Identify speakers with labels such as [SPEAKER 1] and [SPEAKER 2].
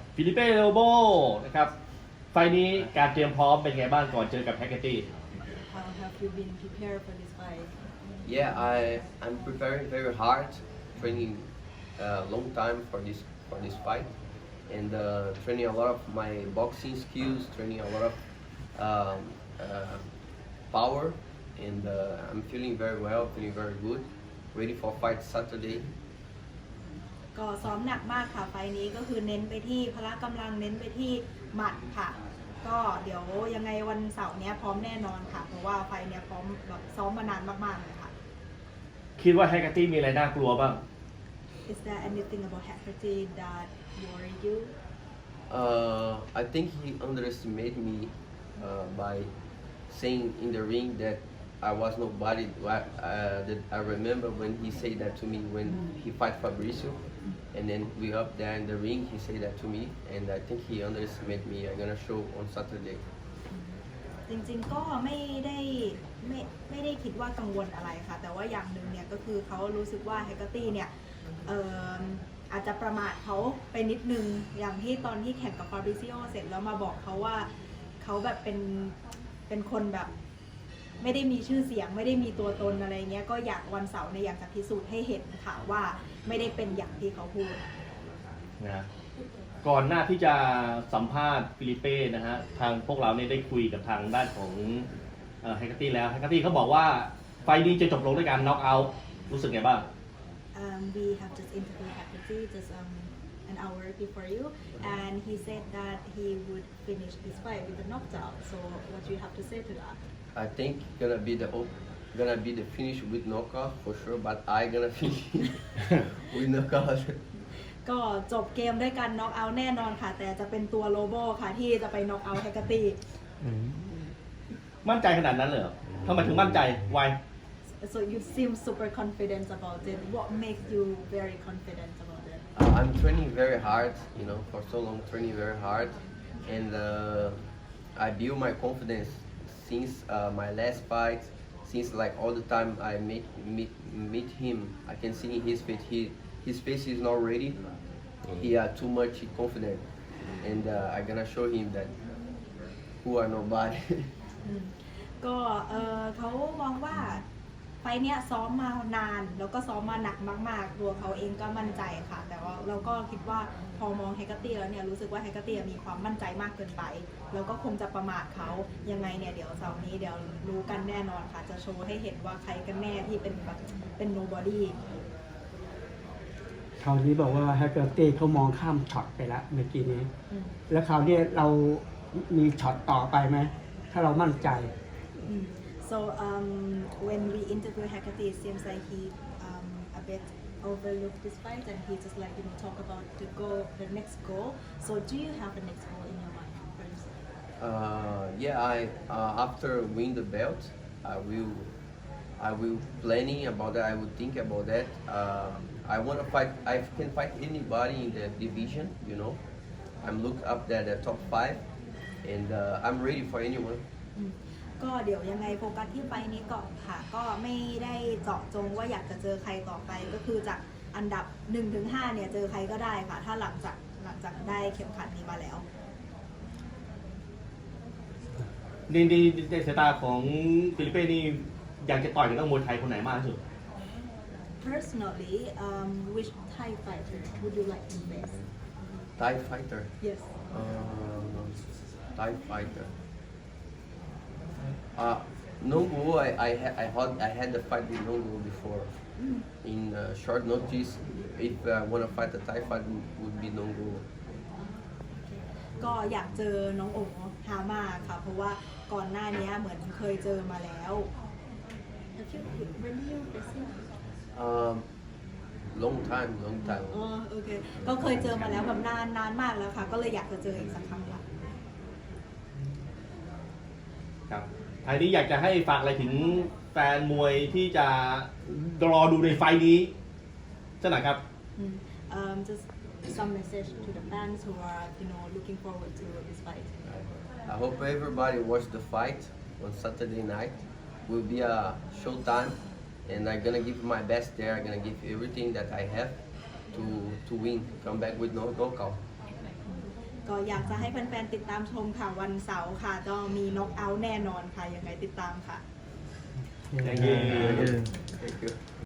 [SPEAKER 1] ฟิลิเป้โลโบนะครับไฟล์นี้การเตรียมพร้อมเป็นไงบ้างก่อนเจอกับแฮกเกอร์ตี้
[SPEAKER 2] How have you been prepared for this fight?
[SPEAKER 3] Yeah, I'm preparing very hard, training a long time for this fight, and training a lot of my boxing skills, training a lot of um, power, and I'm feeling very well, feeling very good. Ready for fight Saturday.
[SPEAKER 2] ก็ซ้อมหนักมากค่ะไฟล์นี้ก็คือเน้นไปที่พละกำลังเน้นไปที่หมัดค่ะ ก็เดี๋ยวยังไงวันเสาร์เนี้ยพร้อมแน่นอนค่ะ เพราะว่าไฟล์เนี้ยพร้อมแบบซ้อมมานานมากๆเลยค่ะ
[SPEAKER 1] คิดว่าแฮกเกอร์ตี้มีอะไรน่ากลัวบ้าง
[SPEAKER 2] Is there anything about Hecate that worry you?
[SPEAKER 3] I think he underestimated me by saying in the ring that I was nobody. That I remember when he said that to me when he fight Fabricio, and then we up there in the ring. He said that to me, and I think he underestimated me. I'm gonna show on Saturday.
[SPEAKER 2] จริงๆก็ไม่ได้คิดว่ากังวลอะไรค่ะ แต่ว่าอย่างหนึ่งเนี่ยก็คือเขารู้สึกว่า Hecate เนี่ยอาจจะประมาทเขาไปนิดนึงอย่างที่ตอนที่แข่งกับฟาบริซิโอเสร็จแล้วมาบอกเขาว่าเขาแบบเป็นคนแบบไม่ได้มีชื่อเสียงไม่ได้มีตัวตนอะไรเงี้ยก็อยากวันเสาร์เนี่ยอยากจะพิสูจน์ให้เห็นค่ะว่าไม่ได้เป็นอย่างที่เขาพูด
[SPEAKER 1] นะก่อนหน้าที่จะสัมภาษณ์ฟิลิเป้นะฮะทางพวกเราเนี่ยได้คุยกับทางด้านของแฮกเกอร์ตี้แล้วแฮกเกอร์ตี้เขาบอกว่าไฟล์นี้จะจบลงด้วยการน็อกเอาท์รู้สึกไงบ้าง
[SPEAKER 2] We have just interviewed Hecate just an hour before you, and he said that he would finish this fight with a knockout. So, what do you have to say to that?
[SPEAKER 3] I think gonna be the finish with knockout for sure, but I gonna finish with knockout.
[SPEAKER 2] ก็จบเกมด้วยการน็อกเอาท์แน่นอนค่ะ แต่จะเป็นตัวโลโบค่ะที่จะไปน็อกเอาท์แฮกเกอร์ตี้
[SPEAKER 1] มั่นใจขนาดนั้นเลยเหรอทำไมถึงมั่นใจไว
[SPEAKER 2] So you seem super confident about it. What makes you very confident about it?
[SPEAKER 3] I'm training very hard, for so long training very hard, and I build my confidence since my last fight. Since like all the time I meet him, I can see in his face his face is not ready. He too much confident, and I'm gonna show him that who are nobody.
[SPEAKER 2] ก็เขามองว่าไฟเนี้ยซ้อมมานานแล้วก็ซ้อมมาหนักมากๆตัวเขาเองก็มั่นใจค่ะ แต่ว่าเราก็คิดว่าพอมองแฮกเกอร์ตี้แล้วเนี่ยรู้สึกว่าแฮกเกอร์ตี้มีความมั่นใจมากเกินไปแล้วก็คงจะประมาทเขายังไงเนี่ยเดี๋ยวเสาร์นี้เดี๋ยวรู้กันแน่นอนค่ะจะโชว์ให้เห็นว่าใครกันแน่ที่เป็นแบบเป็น nobody
[SPEAKER 4] คราวนี้บอกว่าแฮกเกอร์ตี้เขามองข้ามช็อตไปแล้วเมื่อกี้นี้แล้วคราวนี้เรามีช็อตต่อไปไหมถ้าเรามั่นใจ
[SPEAKER 2] So when we interview Hecate, it seems like he a bit overlooked this fight, and he just talk about the next goal. So do you have a next goal in your mind first?
[SPEAKER 3] After win the belt, I will planning about that. I will think about that. I want to fight. I can fight anybody in the division. I'm look up there the top 5, and I'm ready for anyone.
[SPEAKER 2] ก็เดี๋ยวยังไงโฟกัสที่ไฟนี้ก่อนค่ะก็ไม่ได้เจาะจงว่าอยากจะเจอใครต่อไปก็คือจากอันดับ 1-5 เนี่ยเจอใครก็ได้ค่ะถ้าหลังจากได้เข็มขัดนี้มาแล้ว
[SPEAKER 1] ในสายตาของฟิลิเป้นี่อยากจะต่อยกับนักมวยไทยคนไหนมากที่สุด
[SPEAKER 2] Personally, which Thai fighter would you like to face?
[SPEAKER 3] Thai fighter.
[SPEAKER 2] Yes.
[SPEAKER 3] Thai fighter. Nongo, I had the fight with Nongo before. In short notice, if I want to fight a Thai fight, would be Nongo.
[SPEAKER 2] ก็อยากเจอน้องโอ๋ฮามาค่ะเพราะว่าก่อนหน้านี้เหมือนเคยเจอมาแล้ว When you facing?
[SPEAKER 3] Long time.
[SPEAKER 2] อ๋อโอเคก็เคยเจอมาแล้วแบบนานมากแล้วค่ะก็เลยอยากจะเจออีกสักครั้งค่ะ
[SPEAKER 1] ครับท้ายนี้อยากจะให้ฝากอะไรถึงแฟนมวยที่จะรอดูในไฟล์นี้สักหน่อยครับ
[SPEAKER 2] Just some message to the fans who are looking forward to this fight.
[SPEAKER 3] I hope everybody watch the fight on Saturday night. Will be a showtime, and I'm gonna give my best there. I'm gonna give everything that I have to win. Come back with no knockout.
[SPEAKER 2] ก็อยากจะให้แฟนๆติดตามชมค่ะวันเสาร์ค่ะจะมีน็อกเอาท์แน่นอนค่ะยังไงติดตามค่ะ
[SPEAKER 1] Thank you
[SPEAKER 3] Thank you